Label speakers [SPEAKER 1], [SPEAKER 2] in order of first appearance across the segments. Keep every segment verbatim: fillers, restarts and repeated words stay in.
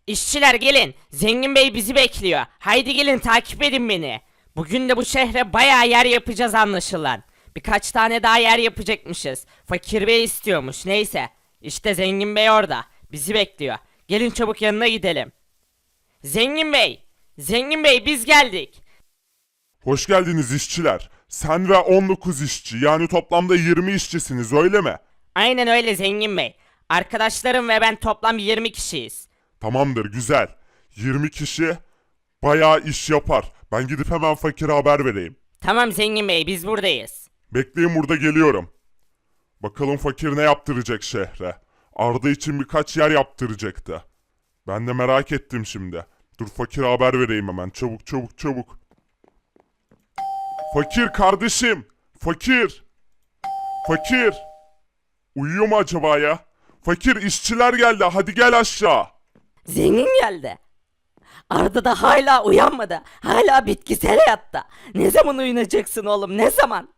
[SPEAKER 1] İşçiler gelin. Zengin Bey bizi bekliyor. Haydi gelin takip edin beni. Bugün de bu şehre bayağı yer yapacağız anlaşılan. Birkaç tane daha yer yapacakmışız. Fakir Bey istiyormuş. Neyse. İşte Zengin Bey orada. Bizi bekliyor. Gelin çabuk yanına gidelim. Zengin Bey. Zengin Bey biz geldik.
[SPEAKER 2] Hoş geldiniz işçiler. Sen ve on dokuz işçi, yani toplamda yirmi işçisiniz, öyle mi?
[SPEAKER 1] Aynen öyle Zengin Bey. Arkadaşlarım ve ben toplam yirmi kişiyiz.
[SPEAKER 2] Tamamdır, güzel. yirmi kişi bayağı iş yapar. Ben gidip hemen fakire haber vereyim.
[SPEAKER 1] Tamam Zengin Bey biz buradayız.
[SPEAKER 2] Bekleyin, burada geliyorum. Bakalım fakir ne yaptıracak şehre. Arda için birkaç yer yaptıracaktı. Ben de merak ettim şimdi. Dur fakire haber vereyim hemen. Çabuk çabuk çabuk. Fakir kardeşim. Fakir. Fakir. Uyuyor mu acaba ya? Fakir, işçiler geldi. Hadi gel aşağı.
[SPEAKER 1] Zengin geldi. Arda da hala uyanmadı. Hala bitkisel hayatta. Ne zaman uyanacaksın oğlum ne zaman?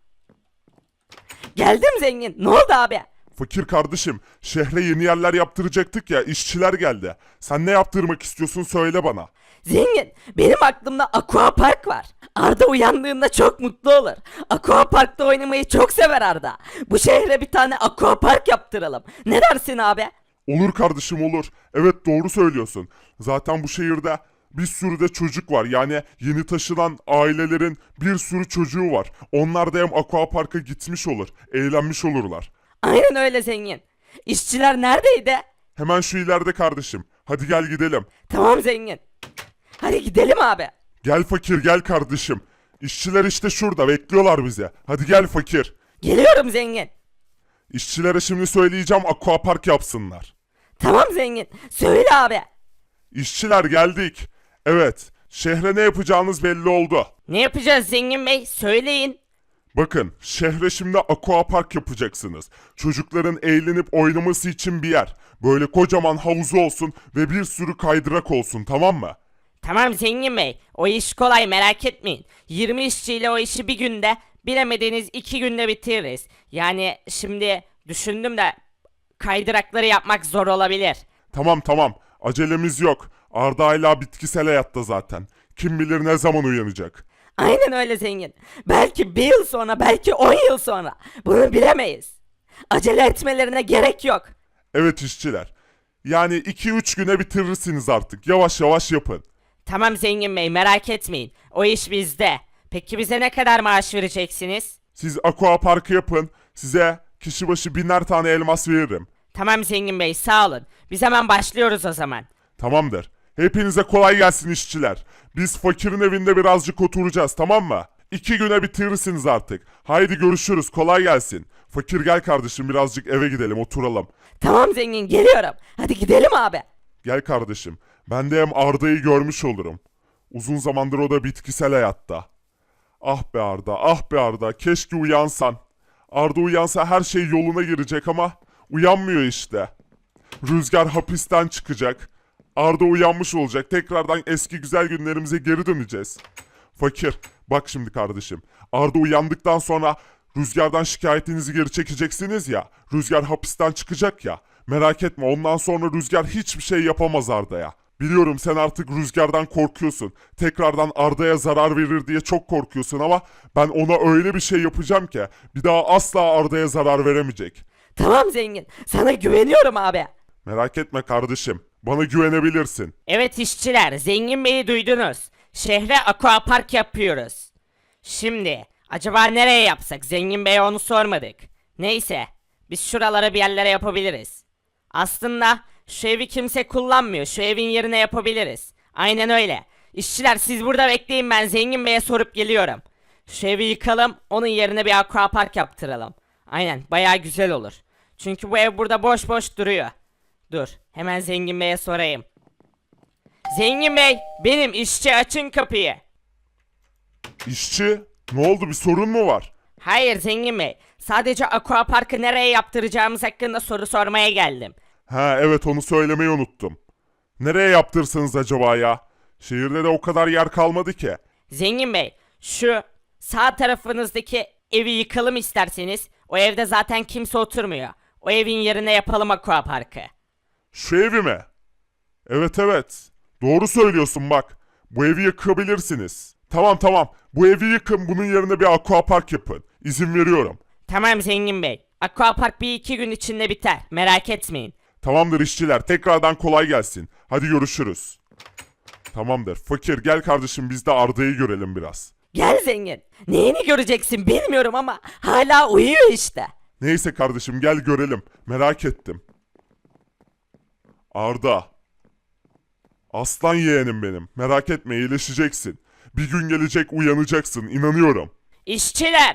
[SPEAKER 1] Geldim zengin. Ne oldu abi?
[SPEAKER 2] Fakir kardeşim, şehre yeni yerler yaptıracaktık ya, işçiler geldi. Sen ne yaptırmak istiyorsun, söyle bana.
[SPEAKER 1] Zengin benim aklımda aqua park var. Arda uyandığında çok mutlu olur. Aqua parkta oynamayı çok sever Arda. Bu şehre bir tane aqua park yaptıralım. Ne dersin abi?
[SPEAKER 2] Olur kardeşim, olur. Evet, doğru söylüyorsun. Zaten bu şehirde bir sürü de çocuk var. Yani yeni taşınan ailelerin bir sürü çocuğu var. Onlar da hem aquaparka gitmiş olur, eğlenmiş olurlar.
[SPEAKER 1] Aynen öyle zengin. İşçiler neredeydi?
[SPEAKER 2] Hemen şu ileride kardeşim. Hadi gel gidelim.
[SPEAKER 1] Tamam zengin. Hadi gidelim abi.
[SPEAKER 2] Gel fakir, gel kardeşim. İşçiler işte şurada bekliyorlar bize. Hadi gel fakir.
[SPEAKER 1] Geliyorum zengin.
[SPEAKER 2] İşçilere şimdi söyleyeceğim, aquapark yapsınlar.
[SPEAKER 1] Tamam zengin. Söyle abi.
[SPEAKER 2] İşçiler geldik. Evet, şehre ne yapacağınız belli oldu.
[SPEAKER 1] Ne yapacağız zengin bey? Söyleyin.
[SPEAKER 2] Bakın, şehre şimdi aquapark yapacaksınız. Çocukların eğlenip oynaması için bir yer. Böyle kocaman havuzu olsun ve bir sürü kaydırak olsun, tamam mı?
[SPEAKER 1] Tamam zengin bey. O iş kolay merak etmeyin. yirmi işçiyle o işi bir günde, bilemediniz iki günde bitiririz. Yani şimdi düşündüm de kaydırakları yapmak zor olabilir.
[SPEAKER 2] Tamam tamam, acelemiz yok. Arda hala bitkisel hayatta zaten. Kim bilir ne zaman uyanacak.
[SPEAKER 1] Aynen öyle zengin. Belki bir yıl sonra, belki on yıl sonra. Bunu bilemeyiz. Acele etmelerine gerek yok.
[SPEAKER 2] Evet işçiler. Yani iki üç güne bitirirsiniz artık. Yavaş yavaş yapın.
[SPEAKER 1] Tamam zengin bey merak etmeyin. O iş bizde. Peki bize ne kadar maaş vereceksiniz?
[SPEAKER 2] Siz aquaparkı yapın. Size kişi başı biner tane elmas veririm.
[SPEAKER 1] Tamam zengin bey sağ olun. Biz hemen başlıyoruz o zaman.
[SPEAKER 2] Tamamdır. Hepinize kolay gelsin işçiler. Biz fakirin evinde birazcık oturacağız, tamam mı? İki güne bitirirsiniz artık. Haydi görüşürüz, kolay gelsin. Fakir gel kardeşim, birazcık eve gidelim, oturalım.
[SPEAKER 1] Tamam zengin geliyorum. Hadi gidelim abi.
[SPEAKER 2] Gel kardeşim. Ben de hem Arda'yı görmüş olurum. Uzun zamandır o da bitkisel hayatta. Ah be Arda, ah be Arda. Keşke uyansan. Arda uyansa her şey yoluna girecek ama uyanmıyor işte. Rüzgar hapisten çıkacak. Arda uyanmış olacak. Tekrardan eski güzel günlerimize geri döneceğiz. Fakir, bak şimdi kardeşim. Arda uyandıktan sonra Rüzgar'dan şikayetinizi geri çekeceksiniz ya. Rüzgar hapisten çıkacak ya. Merak etme, ondan sonra Rüzgar hiçbir şey yapamaz Arda'ya. Biliyorum sen artık Rüzgar'dan korkuyorsun. Tekrardan Arda'ya zarar verir diye çok korkuyorsun ama ben ona öyle bir şey yapacağım ki bir daha asla Arda'ya zarar veremeyecek.
[SPEAKER 1] Tamam zengin. Sana güveniyorum abi.
[SPEAKER 2] Merak etme kardeşim. Bana güvenebilirsin.
[SPEAKER 1] Evet işçiler zengin beyi duydunuz. Şehre aquapark yapıyoruz. Şimdi acaba nereye yapsak? Zengin beye onu sormadık. Neyse biz şuralara bir yerlere yapabiliriz. Aslında şu evi kimse kullanmıyor. Şu evin yerine yapabiliriz. Aynen öyle. İşçiler siz burada bekleyin, ben zengin beye sorup geliyorum. Şu evi yıkalım, onun yerine bir aquapark yaptıralım. Aynen baya güzel olur. Çünkü bu ev burada boş boş duruyor. Dur hemen zengin beye sorayım. Zengin bey benim, işçi açın kapıyı.
[SPEAKER 2] İşçi, ne oldu, bir sorun mu var?
[SPEAKER 1] Hayır zengin bey, sadece aquaparkı nereye yaptıracağımız hakkında soru sormaya geldim.
[SPEAKER 2] Ha evet, onu söylemeyi unuttum. Nereye yaptırsanız acaba ya? Şehirde de o kadar yer kalmadı ki.
[SPEAKER 1] Zengin bey şu sağ tarafınızdaki evi yıkalım isterseniz. O evde zaten kimse oturmuyor. O evin yerine yapalım aquaparkı.
[SPEAKER 2] Şu evi mi? Evet evet. Doğru söylüyorsun bak. Bu evi yıkabilirsiniz. Tamam tamam. Bu evi yıkın, bunun yerine bir aquapark yapın. İzin veriyorum.
[SPEAKER 1] Tamam zengin bey. Aquapark bir iki gün içinde biter. Merak etmeyin.
[SPEAKER 2] Tamamdır işçiler. Tekrardan kolay gelsin. Hadi görüşürüz. Tamamdır. Fakir gel kardeşim, biz de Arda'yı görelim biraz.
[SPEAKER 1] Gel zengin. Neyini göreceksin bilmiyorum ama hala uyuyor işte.
[SPEAKER 2] Neyse kardeşim gel görelim. Merak ettim. Arda. Aslan yeğenim benim. Merak etme, iyileşeceksin. Bir gün gelecek, uyanacaksın. İnanıyorum.
[SPEAKER 1] İşçiler.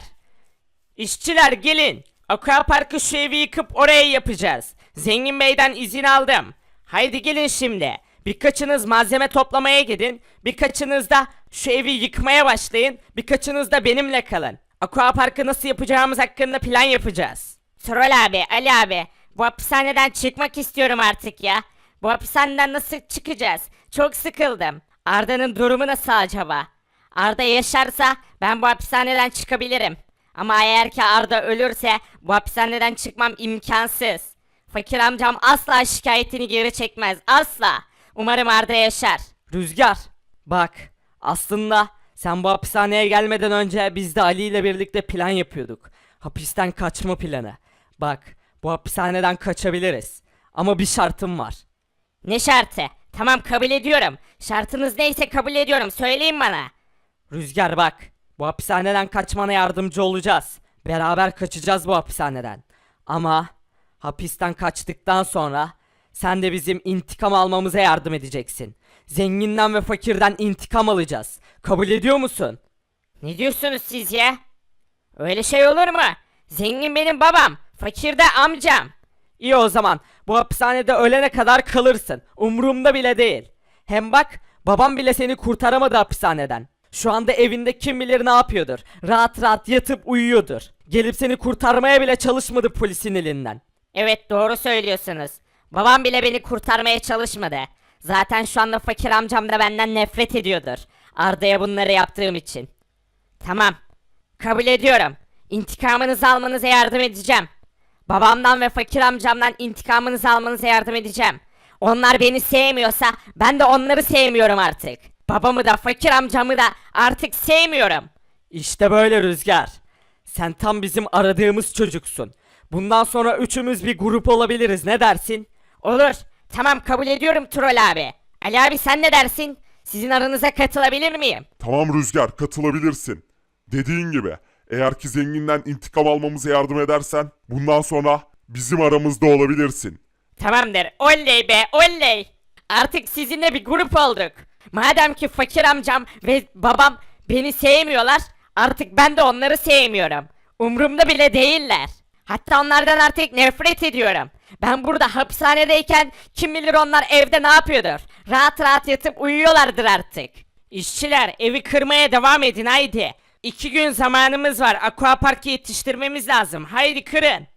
[SPEAKER 1] İşçiler gelin. Aquapark'ı şu evi yıkıp oraya yapacağız. Zengin beyden izin aldım. Haydi gelin şimdi. Birkaçınız malzeme toplamaya gidin. Birkaçınız da şu evi yıkmaya başlayın. Birkaçınız da benimle kalın. Aquapark'ı nasıl yapacağımız hakkında plan yapacağız. Troll abi, Ali abi. Bu hapishaneden çıkmak istiyorum artık ya. Bu hapishaneden nasıl çıkacağız? Çok sıkıldım. Arda'nın durumu nasıl acaba? Arda yaşarsa ben bu hapishaneden çıkabilirim. Ama eğer ki Arda ölürse bu hapishaneden çıkmam imkansız. Fakir amcam asla şikayetini geri çekmez. Asla. Umarım Arda yaşar. Rüzgar. Bak. Aslında sen bu hapishaneye gelmeden önce biz de Ali ile birlikte plan yapıyorduk. Hapisten kaçma planı. Bak. Bu hapishaneden kaçabiliriz. Ama bir şartım var. Ne şartı? Tamam kabul ediyorum. Şartınız neyse kabul ediyorum. Söyleyin bana. Rüzgar bak. Bu hapishaneden kaçmana yardımcı olacağız. Beraber kaçacağız bu hapishaneden. Ama hapisten kaçtıktan sonra sen de bizim intikam almamıza yardım edeceksin. Zenginden ve fakirden intikam alacağız. Kabul ediyor musun? Ne diyorsunuz siz ya? Öyle şey olur mu? Zengin benim babam, fakir de amcam. İyi o zaman bu hapishanede ölene kadar kalırsın. Umurumda bile değil. Hem bak babam bile seni kurtaramadı hapishaneden. Şu anda evinde kim bilir ne yapıyordur. Rahat rahat yatıp uyuyordur. Gelip seni kurtarmaya bile çalışmadı polisin elinden. Evet doğru söylüyorsunuz. Babam bile beni kurtarmaya çalışmadı. Zaten şu anda fakir amcam da benden nefret ediyordur. Arda'ya bunları yaptığım için. Tamam. Kabul ediyorum. İntikamınızı almanıza yardım edeceğim. Babamdan ve fakir amcamdan intikamınızı almanıza yardım edeceğim. Onlar beni sevmiyorsa ben de onları sevmiyorum artık. Babamı da fakir amcamı da artık sevmiyorum. İşte böyle Rüzgar. Sen tam bizim aradığımız çocuksun. Bundan sonra üçümüz bir grup olabiliriz, ne dersin? Olur. Tamam kabul ediyorum Troll abi. Ali abi sen ne dersin? Sizin aranıza katılabilir miyim?
[SPEAKER 2] Tamam Rüzgar, katılabilirsin. Dediğin gibi, eğer ki zenginden intikam almamıza yardım edersen bundan sonra bizim aramızda olabilirsin.
[SPEAKER 1] Tamamdır. Oley be oley. Artık sizinle bir grup olduk. Madem ki fakir amcam ve babam beni sevmiyorlar, artık ben de onları sevmiyorum. Umrumda bile değiller. Hatta onlardan artık nefret ediyorum. Ben burada hapishanedeyken kim bilir onlar evde ne yapıyordur. Rahat rahat yatıp uyuyorlardır artık. İşçiler evi kırmaya devam edin haydi. İki gün zamanımız var. Aquapark'ı yetiştirmemiz lazım. Haydi kırın.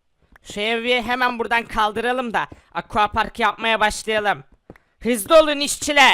[SPEAKER 1] Şu evi hemen buradan kaldıralım da Aquapark yapmaya başlayalım. Hızlı olun işçiler.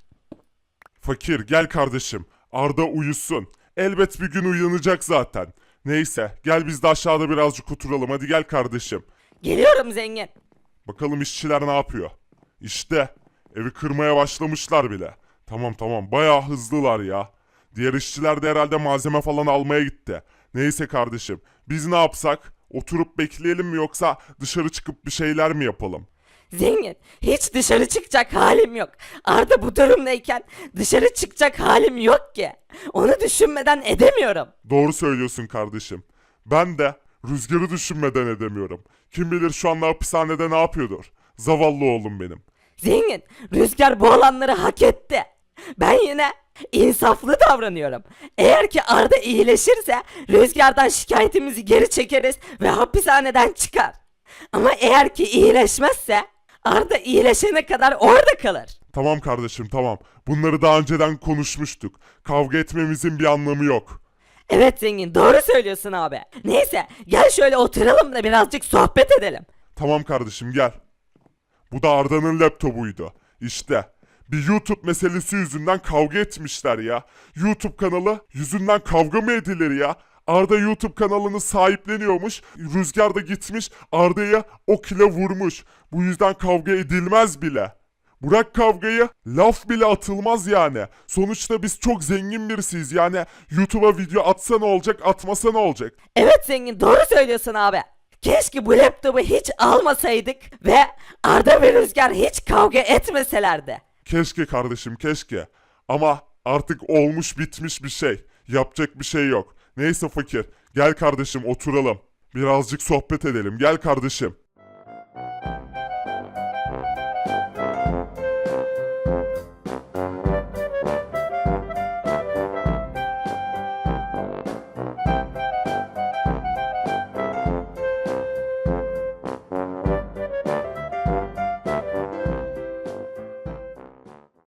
[SPEAKER 2] Fakir gel kardeşim. Arda uyusun. Elbet bir gün uyanacak zaten. Neyse gel biz de aşağıda birazcık oturalım. Hadi gel kardeşim.
[SPEAKER 1] Geliyorum zengin.
[SPEAKER 2] Bakalım işçiler ne yapıyor. İşte evi kırmaya başlamışlar bile. Tamam tamam bayağı hızlılar ya. Diğer işçiler de herhalde malzeme falan almaya gitti. Neyse kardeşim biz ne yapsak? Oturup bekleyelim mi yoksa dışarı çıkıp bir şeyler mi yapalım?
[SPEAKER 1] Zengin, hiç dışarı çıkacak halim yok. Arda bu durumdayken dışarı çıkacak halim yok ki. Onu düşünmeden edemiyorum.
[SPEAKER 2] Doğru söylüyorsun kardeşim. Ben de Rüzgar'ı düşünmeden edemiyorum. Kim bilir şu anda hapishanede ne yapıyordur. Zavallı oğlum benim.
[SPEAKER 1] Zengin, Rüzgar bu olanları hak etti. Ben yine insaflı davranıyorum. Eğer ki Arda iyileşirse Rüzgar'dan şikayetimizi geri çekeriz ve hapishaneden çıkar. Ama eğer ki iyileşmezse Arda iyileşene kadar orada kalır.
[SPEAKER 2] Tamam kardeşim tamam. Bunları daha önceden konuşmuştuk. Kavga etmemizin bir anlamı yok.
[SPEAKER 1] Evet zengin doğru söylüyorsun abi. Neyse gel şöyle oturalım da birazcık sohbet edelim.
[SPEAKER 2] Tamam kardeşim gel. Bu da Arda'nın laptopuydu. İşte bir YouTube meselesi yüzünden kavga etmişler ya. YouTube kanalı yüzünden kavga mı edilir ya? Arda YouTube kanalını sahipleniyormuş. Rüzgar da gitmiş Arda'ya ok ile vurmuş. Bu yüzden kavga edilmez bile. Bırak kavgayı, laf bile atılmaz yani. Sonuçta biz çok zengin birisiyiz yani. YouTube'a video atsa ne olacak, atmasa ne olacak?
[SPEAKER 3] Evet zengin, doğru söylüyorsun abi. Keşke bu laptopu hiç almasaydık ve Arda ve Rüzgar hiç kavga etmeselerdi.
[SPEAKER 2] Keşke kardeşim, keşke. Ama artık olmuş bitmiş bir şey. Yapacak bir şey yok. Neyse fakir, gel kardeşim oturalım. Birazcık sohbet edelim. Gel kardeşim.